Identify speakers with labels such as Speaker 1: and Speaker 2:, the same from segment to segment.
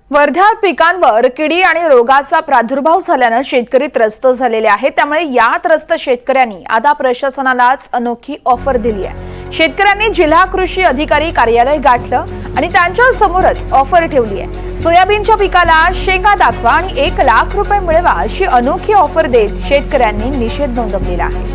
Speaker 1: वर्ध्यात पिकांवर किडी आणि रोगाचा प्रादुर्भाव झाल्याने शेतकरी त्रस्त झालेले आहेत। त्यामुळे या त्रस्त शेतकऱ्यांनी आता प्रशासनालाच अनोखी ऑफर दिली आहे। शेतकऱ्यांनी जिल्हा कृषी अधिकारी कार्यालय गाठलं आणि त्यांच्या समोरच ऑफर ठेवली आहे। सोयाबीनच्या पिकाला शेंगा दाखवा आणि 1 लाख रुपये मिळवा अशी अनोखी ऑफर देत शेतकऱ्यांनी निषेध नोंदवलेला आहे।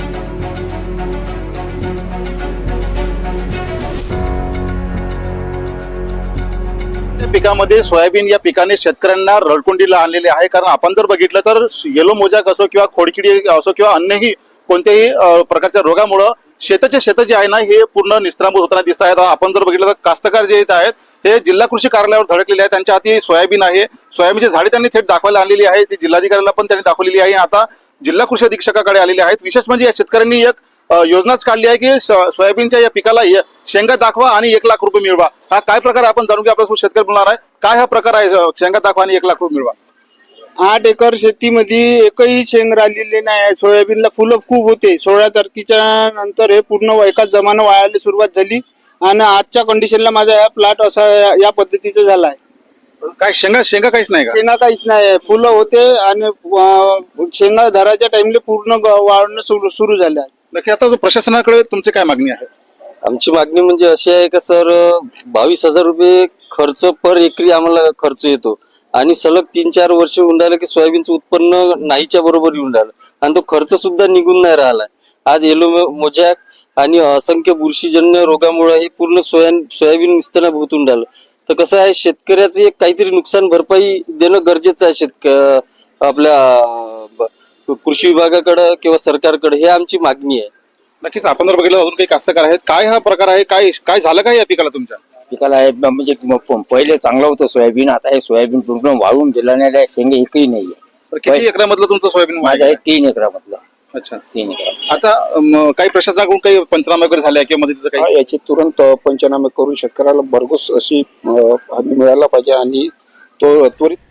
Speaker 2: पिकामध्ये सोयाबीन या पिकाने शेतकऱ्यांना रडकुंडीला आणलेले आहे। कारण आपण जर बघितलं तर येलो मोजॅक असो किंवा खोडकिडी असो किंवा अन्यही कोणत्याही प्रकारच्या रोगामुळे शेताचे शेत जे आहे ना हे पूर्ण निस्त्रांभूत होताना दिसत आहेत। आपण जर बघितलं तर कास्तकार जे आहेत हे जिल्हा कृषी कार्यालयावर धडकलेले आहेत। त्यांच्या हाती सोयाबीन आहे, सोयाबीनची झाडे त्यांनी थेट दाखवायला आणलेली आहे। ती जिल्हाधिकाऱ्याला पण त्यांनी दाखवलेली आहे। आता जिल्हा कृषी अधीक्षकाकडे आलेले आहेत। विशेष म्हणजे या शेतकऱ्यांनी एक योजनाच काढली आहे की सोयाबीनच्या या पिकाला शेंगा दाखवा आणि 1 लाख रुपये मिळवा। हा काय प्रकार आपण जाणून घ्या। आपल्यासोबत शेतकरी बोलणार आहे। काय हा प्रकार आहे शेंगा दाखवा आणि 1 लाख रुपये मिळवा?
Speaker 3: 8 एकर शेतीमध्ये एकही शेंग राहिलेली नाही। सोयाबीनला फुलं खूप होते। 16 तारखेच्या नंतर हे पूर्ण एकाच जमाना वाळायला सुरुवात झाली आणि आजच्या कंडिशनला माझा हा प्लॉट असा या पद्धतीचा झाला आहे।
Speaker 2: काय शेंगा काहीच नाही का?
Speaker 3: शेंगा काहीच नाही, फुलं होते आणि शेंगा धराच्या टाइमला पूर्ण वाळणं सुरू झालं आहे।
Speaker 2: नक्की आता प्रशासनाकडे तुमची काय मागणी आहे?
Speaker 4: आमची मागणी म्हणजे अशी आहे की सर 22,000 रुपये खर्च पर एकरी आम्हाला खर्च येतो आणि सलग 3-4 वर्ष होऊन राहिलं की सोयाबीनचं उत्पन्न नाहीच्या बरोबर येऊन राहिलं आणि तो खर्च सुद्धा निघून नाही राहिलाय। आज येलो मोजॅक आणि असंख्य बुरशीजन्य रोगामुळे हे पूर्ण सोयाबीन निस्तना भोवतून राहिलं। तर कसं आहे, शेतकऱ्याचं एक काहीतरी नुकसान भरपाई देणं गरजेचं आहे आपल्या कृषी विभागाकडे किंवा सरकारकडे, हे आमची मागणी आहे।
Speaker 2: नक्कीच आपण जर बघितलं अजून काही कास्तकार आहेत, काय हा प्रकार आहे, काय झालं काय या पिकाला तुमच्या?
Speaker 5: पिकाला म्हणजे पहिले चांगलं होतं सोयाबीन, आता हे सोयाबीन पूर्ण वाळून गेलं नाही, शेंगे एकही नाहीये।
Speaker 2: तर किती एकरामधलं तुमचं सोयाबीन?
Speaker 5: माझं आहे 3 एकरामधलं।
Speaker 2: अच्छा,
Speaker 5: 3 एकर।
Speaker 2: आता काही प्रशासनाकडून काही पंचनामे वगैरे झाले किंवा मदतीचं काही?
Speaker 6: याची तुरंत पंचनामे करून शेतकऱ्याला भरघोस अशी हमी मिळायला पाहिजे आणि तो त्वरित